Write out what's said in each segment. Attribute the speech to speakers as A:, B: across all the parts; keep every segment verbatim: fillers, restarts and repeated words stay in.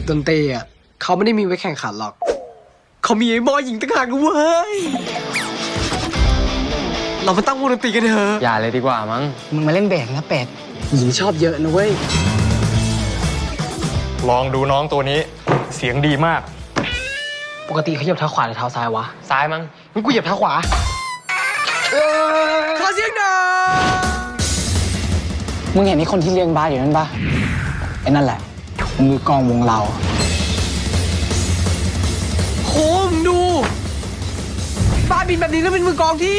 A: ดนตรีอ่ะเขาไม่ได้มีไว้แข่งขันหรอกเขามีไอ้บอยหญิงต่างหากด้วยเว้ยเรามาตั้งวงดนตรีกันเถอะ
B: อย่าเลยดีกว่ามั้ง
C: มึงมาเล่นเบสนะเป็ด
A: หญิงชอบเยอะนะเว้ย
D: ลองดูน้องตัวนี้เสียงดีมาก
C: ปกติเขาเหยียบเท้าขวาหรือเท้าซ้ายวะ
B: ซ้ายมั้ง
C: งั้นกูเหยียบเท้าขวา
A: ขอเสียงหน่อย
C: มึงเห็นไอ้คนที่เลี้ยงบาสอยู่นั่นปะไอ้นั่นแหละมือกองวงเรา
A: โคมดูบ้าบินแบบนี้แล้วเป็นมือกองที่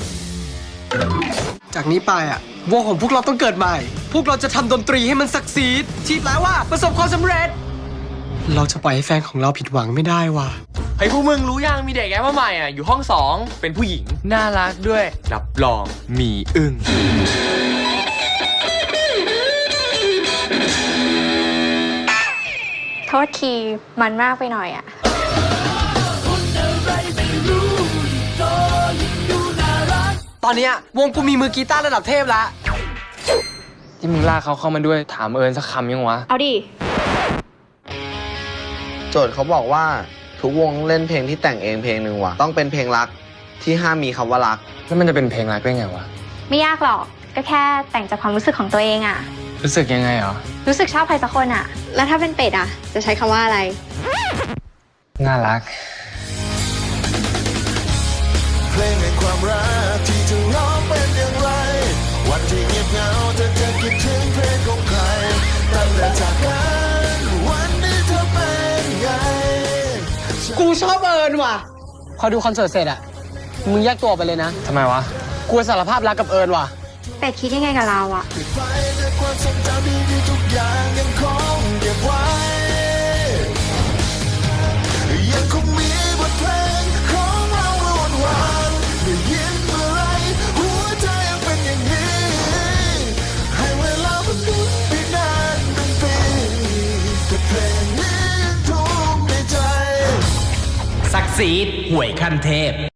A: จากนี้ไปอ่ะวงของพวกเราต้องเกิดใหม่พวกเราจะทำดนตรีให้มันสักซีดที่แปลว่าประสบความสำเร็จเราจะปล่อยให้แฟนของเราผิดหวังไม่ได้ว่ะ
B: เฮ้ยพวกมึงรู้ยังมีเด็กแอปมาใหม่อ่ะอยู่ห้องสองเป็นผู้หญิงน่ารักด้วยรับรองมีอึ้ง
E: โทษทีมันมากไปหน่อยอะ
A: ตอนเนี้ยวงกูมีมือกีตาร์ระดับเทพแล้ว
B: ที่มึงลากเขาเข้ามาด้วยถามเอิญสักคำยังวะ
E: เอาดิ
F: โจทย์เขาบอกว่าทุกวงเล่นเพลงที่แต่งเองเพลงหนึ่งว่ะต้องเป็นเพลงรักที่ห้ามมีคำว่ารัก
B: แล้วมันจะเป็นเพลงรักได้ไงวะ
E: ไม่ยากหรอกก็แค่แต่งจากความรู้สึกของตัวเองอะ
B: รู้สึกยังไงเหรอ
E: รู้สึกชอบใครสักคนอะแล้วถ้าเป็นเป็ดอะจะใช้คำว่าอะไร
B: น่ารัก
G: เพลงแห่งความรักที่จะร้องเป็นอย่างไรวันที่เงียบเหงาเธอจะคิดถึงเพลงของใครตั้งแต่จากกันวันนี้เธอเป็นไง
A: กูชอบเอิญว่ะ
C: พอดูคอนเสิร์ตเสร็จอะมึงแยกตัวไปเลยนะ
B: ทำไมวะ
C: กูสารภาพรักกับเอิญว่ะ
E: เป็ดคิดยังไงกับเราอะ
G: ไปด้วยความทรงจำดีๆทุกอย่างยังคงเก็บไว้ยังคงมีบทเพลงของเราวนวานได้ยินเมื่อไรหัวใจยังเป็นอย่างนี้ให้เวลามันดูไปนานเป็นปีแต่เพลงนี้ยังทุกในใจ
H: ศักดิ์ศรีห่วยขั้นเทพ